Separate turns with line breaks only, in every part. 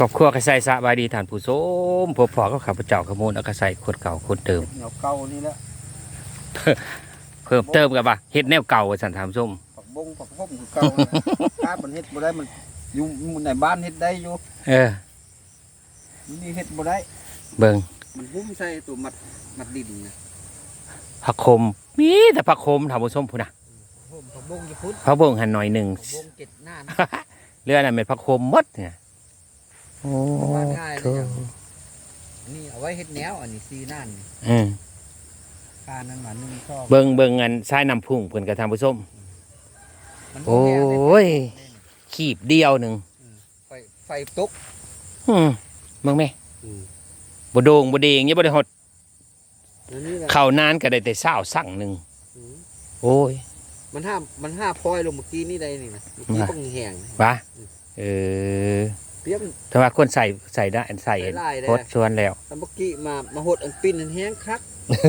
รอบครัวกระใส่สบายดีท่านผู้ชมพบพอก็ขับเจ้าขโมยแล้วก็ใส่ขวดเก่าขวดเติม
เหนียวเก่านี่แหละ
เพิ่มเติมกับว่าเฮ็ดแนวเก่าสันถามส้ม
ผักบงผักพ้มคือเก่าถ้ามันเฮ็ดบ่ได้มันอยู่ในบ้านเฮ็ดได้อยู่นี่เฮ็ดบ่ได้
เบิ่ง
มันหุ้มใส่ตัวมัดดินนะ
ผักขมมีแต่ผักขมถามผู้ชมพุ่นน่ะ
ผักบงจะพุทธ
ผักบงหันหน่อยหนึ่ง
ผักบงเก็ดหน้า
เรื่องนั้นเป็นผักขมหมดเนี่ยโอ้โห
นี่เอาไว้เฮ็ดแนวอันนี้ซีนั่นการนั้นมันนึงชอบ
เบิ่งอันทรายน้ำพุ่งเพิ่นกระทำผู้ชมโอ้ยขีบเดียวหนึ่ง
ไฟตก
เบิ่งแม่บ่โด่งบ่เด้งยังบ่ได้ฮอดเข้านานก็ได้แต่20สั่งหนึ่งโอ้ย
มันห้าพลอยลงเมื่อกี้นี่ได้นี่นะเมื่อกี้ต้องแห้ง
วะ
เปียก
แต่ว่าคนใส่ได้ใส่โคตรชวนแล้ว
แต่เมื่อกี้มาหดอันปิ้นอันแห้งคัก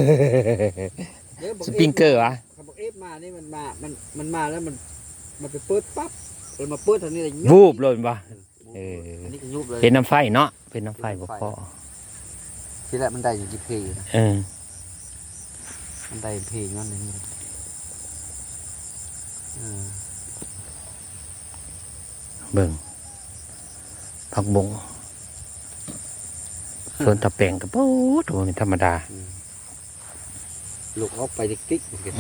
สปริงเกอร์วะ
บอกเอฟมานี่มันมาแล้วมันไปเปิดปั๊บเลยมาเปิดทางนี้เลย
วูบเลยป่ะเป็นน้ำไฟเนาะเป็นน้ำไฟบ่พอ
ทีแรกมันได้อยู่ที่เพย์นะมันได้เพย์งั้นนี่
เบิ่งผักบงส่วนตะแปงกับโอ้โหธรรมดา
ลูกเอาไปติ๊ก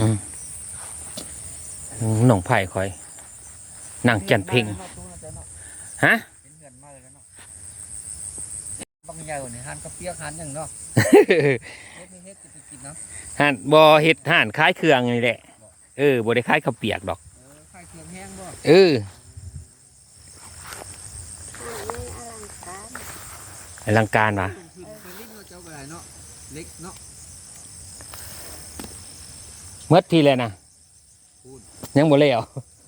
หนองไผ่คอยนั่งจันเพ่งฮะ
บางอย่างเนี่ยหันกระเปียกหันอย่างเนาะ
หันบ่เฮ็ดหันคล้ายเครื่องนี่แหละบ่ได้คล้ายข้าวเปียกดอก
คล้ายเครื่องแห้งบ่
อลังการวะเมื่อทีเลยนะยังบ่แล้ว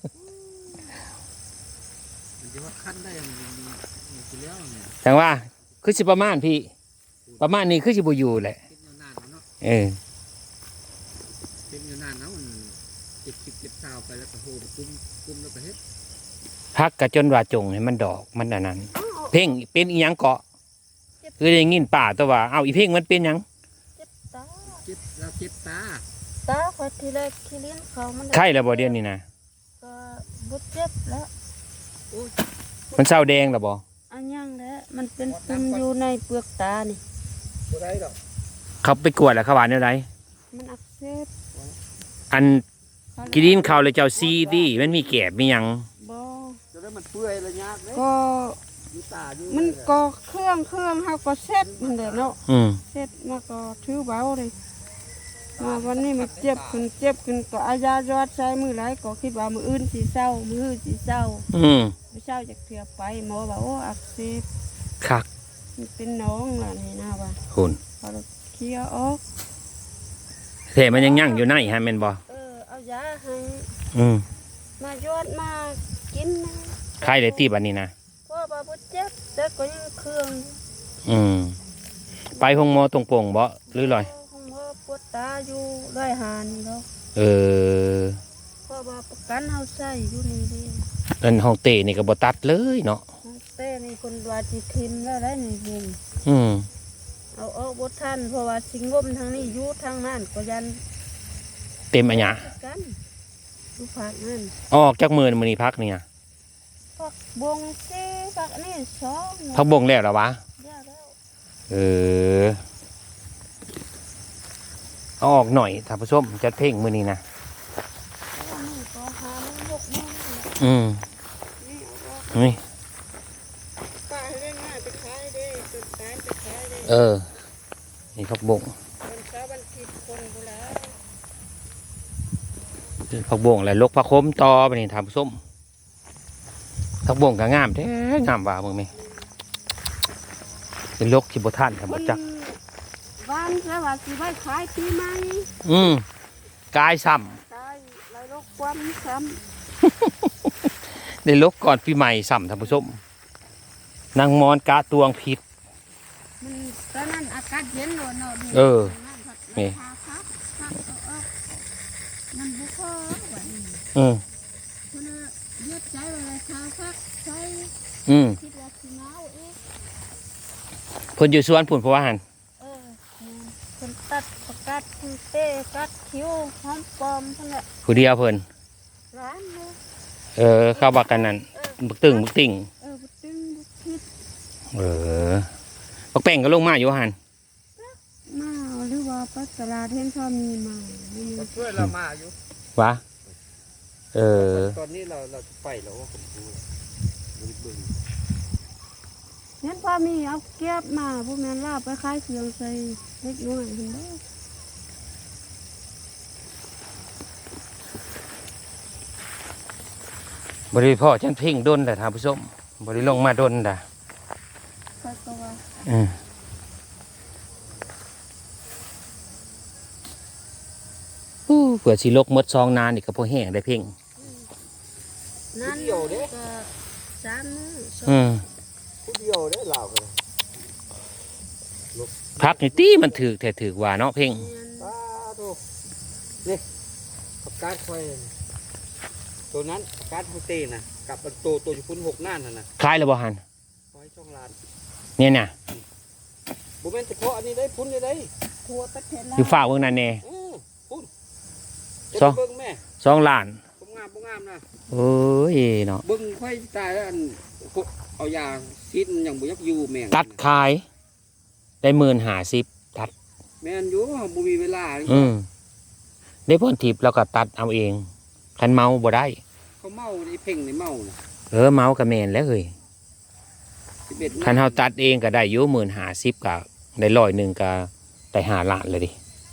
แต่ว่าคือสิประมาณพี่ประมาณนี้คือสิบ่อยู่แหละ
เป็นอยู่นานนะมันเก็บซาวไปแล้วก็โหกุ้มแล้วก็เฮ็ด
พักกะจนว่าจงให้มันดอกมันอันนั้นเพ่งเป็นอีหยังเกาะคือได้ยินป่าตัวว่าเอาอีเพ่งมันเป็นหยัง
เจ็บตา
พอทีแรกที่เลี้ยงเขามัน
ไข้แล้วบ่เดือนนี้นะ
ก็บุดเจ็บแล้ว
มันเศร้าแดงแล้วบ่
อันยังแล้วมันเป็นปุ่มอยู่ในเปลือกตานี่
บ่ได้ดอก
เขาไปกวดแล้วเขาว่าแนวใด
มันอักเสบ
อันกินข้าวเลยเจ้าซีดิมันมีแกบมีหยัง
บ่
จะได้มันเปื่อยระยะเด้
ก็มันก็เครื่องเฮาก็เซ็ตมันเด้อเนาะเซ็ตมาก็ถือเบาเลยมาวันนี้มันเจ็บขึ้นก็อายายอดใช้มือไรก็คิดว่ามืออื่นสีเศร้ามือสีเศร้าไม่เศร้าจากเถื่อไปหมอบอกว่าอักเสบ
คัก
มันเป็นน้องล่ะนี่นะว่า
คุณ
พอเคี้ยวออก
เทมันยังยั่งอยู่ในฮะแม่นบ่
เอายาให้มายอดมากินนะ
ใครเลยตีบันนี้นะ
พ่อบาบุเจ็บแต่ก็ยังเครื่อง
ไปห้องหมอตรงโป่งบ่หรือลอย
ปวดตาอยู่ได้หานแล้วเพราะว่าประกันเฮาใส่อยู่นี่ดิ
อันห้องเตะนี่ก็บ่ตัดเลยเนาะ
เตะนี่คนว่าสิทิมแล้วได้นี่บุญเอาออกบ่ทันเพราะว่าสิงมทางนี้อยู่ทางนั้นก็ยัน
เต็มอันหยะ
กันดูพักนั่น
ออกจากมื้อนี้พักนี่
พักบงสิพักนี่2
พักบงแล้วเหรอวะเอาออกหน่อยท่านผู้ชมจะเพ่งมือนี้นะนี่นี่ผักบงผักบงอะไรลกผักคมต่อไปนี่ท่านผู้ชมผักบงก็งามแท้งามว่ามึงไหมเป็นลกที่บ่ท่านครับบ่จัก
บ้านแล้วว่าสิไว้ขายปีใหม่
กายซ้
ำกายไรลกความซ้
ำได้ลกก่อนปีใหม่ซ้ำท่านผู้ชมนางมอนกาตวงผิด
มันตอนนั้นอากาศเย็นเลยเนาะ
นี่
มันบุกเข้าวันนี้
คุณ
เลือดใจอะไรชาพักใช้คิดว่าสิหนาวอีก
เพิ่นอยู่สวนพุ่นเพราะว่าหั่น
คนตัดประกัดคือเต้กัดคิ้วหอมปลอมทั้งนั้น
ผู้เดียวเพิ่น
ร้านเลย
เข้าบักกันนั่นบึกตึงบึกติ่ง
บุตึงบุคิด
บักแป้งก็ลงมาอยู่หั่น
มาหรือว่าปัสตลาดเห็นพอมีมาไม่มี
ก็ช่วยเรามาอยู่
วะ
ตอนนี้เราจะไปแล้วว่าผมดูบึ้ง
เห็นพอมีเอาเก็บมาพวกนั้นลาบไปขายเสียงใส่เล็กน้อยเห็นบ่
บริพ่อฉันเพ่งดนแต่ท่านผู้ชมบริลงมาดนด่ะ
ค่อยก็ว่า
เผื่อสิลกมดซองนานอีกก็พอแห้งได้เพ่ง
นั่นก็สามมื้อสอง
ผู้เดียวได้ลาวกัน
พักนี่ตีมันถือแต่ถือว่าเนาะเพ่ง
เดือน
ตาโตนี่ประกาศไฟตัวนั้นประกาศโฮเต้น่ะกับตัวอยู่พุ่น6 น่านน่ะ
คล้ายแล้วบ่หัน
ไว้ช่องลาน
เนี่ยน่ะ
บ่แม่นเฉพาะอันนี้ได้พุ่นได้
ทั่วประเทศลาว
อยู่ฝ่าเบิ่งนั่นแน่
พุ่น
ซอ
เบิ่งแม่
2 ล้าน
บ่งามนะ
โอ้ยเนาะ
เบิ่งค่อยตายแล้วอันเอายาซีดยังบ่ยักอยู่แม่ง
ตัดขายได้10,050ตัด
แม่นอยู่บ่มีเวลา
ได้พ่นทิพย์แล้วก็ตัดเอาเองคันเมาบ่ได้
เขาเมาไอ้เพ่งนี่เมาน่ะ
เมาก็แม่นแล้วเฮ้ย
11
คันเฮาตัดเองก็ได้อยู่10,050ก็ได้100ก็ได้5 ล้านเลยดิ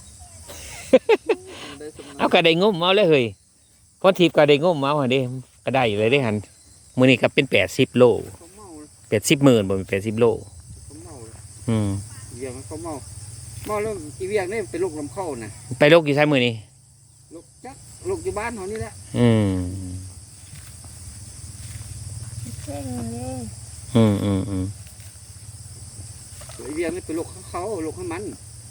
เอาก็ได้งมเอาเลยเฮ้ยพ่นทิพย์ก็ได้งมเอาหั่นเด้ก็ได้เลยเด้หั่นมื้อนี้ก็เป็น80 โล
เขาเมา
80 หมื่นบ่เป็น80 โล
เขาเมา เวียงเขาเมาแล้วอีเวียงนี่เป็นลูกลำเข้าน่ะ
ไปโลกอยู่ใช้มื้อนี้
ลูกอยู่บ้านเขานี่แหละ
เพ่งนี่
อีเวียงนี่เป็นลูกเขาลูกข้ามัน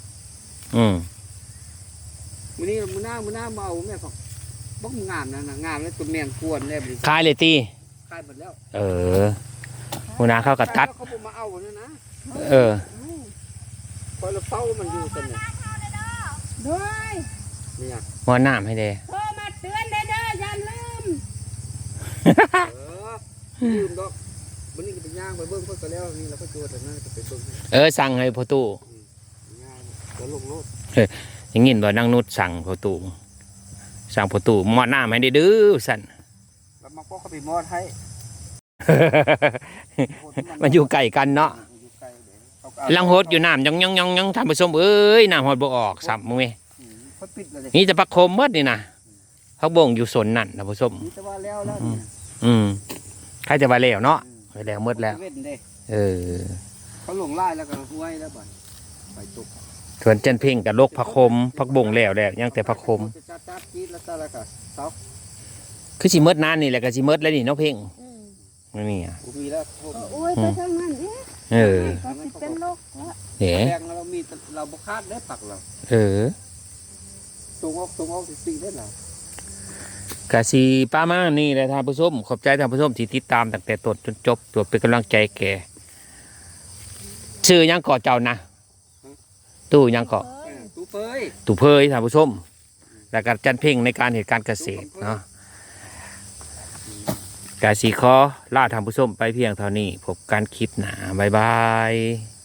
มื้อนี้มื้อหน้าเมาแม่บอกบ้องงามนะงามแล้วตัวแมงกวนแล้ว
ขายเลยติ
ขายหมดแล้ว
หัวหน้าเขาก็ตัด
เขาบ่มาเอาเนี่ยนะ พอเราเฝ้ามันอยู่กันเนี่ย
ด้วย
เนี่ย
หัวหน้าให้เด้
โทรมาเตือนเด้ออย่าลืม
ลืมดอกวันนี้ก็ไปย่างไปเบิ้งเพิ่นก็แล้วนี่เราก็โจทย์แต่นั่นจะไปเบิ้ง
สั่งให้พ่อตู่
ย่างแล้วลงรถ
อย่างงี้บ่นางนุชสั่งพ่อตู่หมอดน้ำให้ได้ดื้อสั่น
แล้วมันก็เข้าไปมอดให้
มันอยู่ไกลกันเนาะลังโหดอยู่น้ำยังท่านผู้ชมเอ้ยน้ำหดบ่ออกสับมึงเว้ย
เขาปิดเลย
นี่จะปักโคมหมดนี่นะเขาบ่งอยู่สนนั่นท่านผู้ชม
นี่แต่ว่าแล้ว
ใครจะว่าแล้วเนาะไปแล้วหมดแล้ว
เว้นเด้ เขาหลงไล่แล้วก็ห้วยแล้วบ่ไปตก
ส่วนเจนเพ่งกับโลกผักคมผักบ่งแล้วยังแต่ผักคม
จะจัดจีดแล้วก็เสา
คือสิเมดนานนี่แหละก็สิเมดแล้วนี่เนาะเพ่งนี่อ่ะ
มีแล้ว
โอ้ยไปทางนั้นเอ๊ะก็สิเป็นโรคละ
เอ๋
แดงเรามีเราบ่คาดได้ผักเราตรงออกสิได้ล่ะ
กะสีป้ามานี่แหละท่านผู้ชมขอบใจท่านผู้ชมที่ติดตามตั้งแต่ต้นจนจบตัวเป็นกำลังใจแก่ชื่อยังเกาะเจ้านะตู้ยังเกาะ
ตู้เปย
ตู่เพยท่านผู้ชมแล้วก็จันเพ่งในการเหตุการณ์เกษตรเนาะกะสีขอลาท่านผู้ชมไปเพียงเท่านี้พบกันคลิปหน้าบ๊ายบาย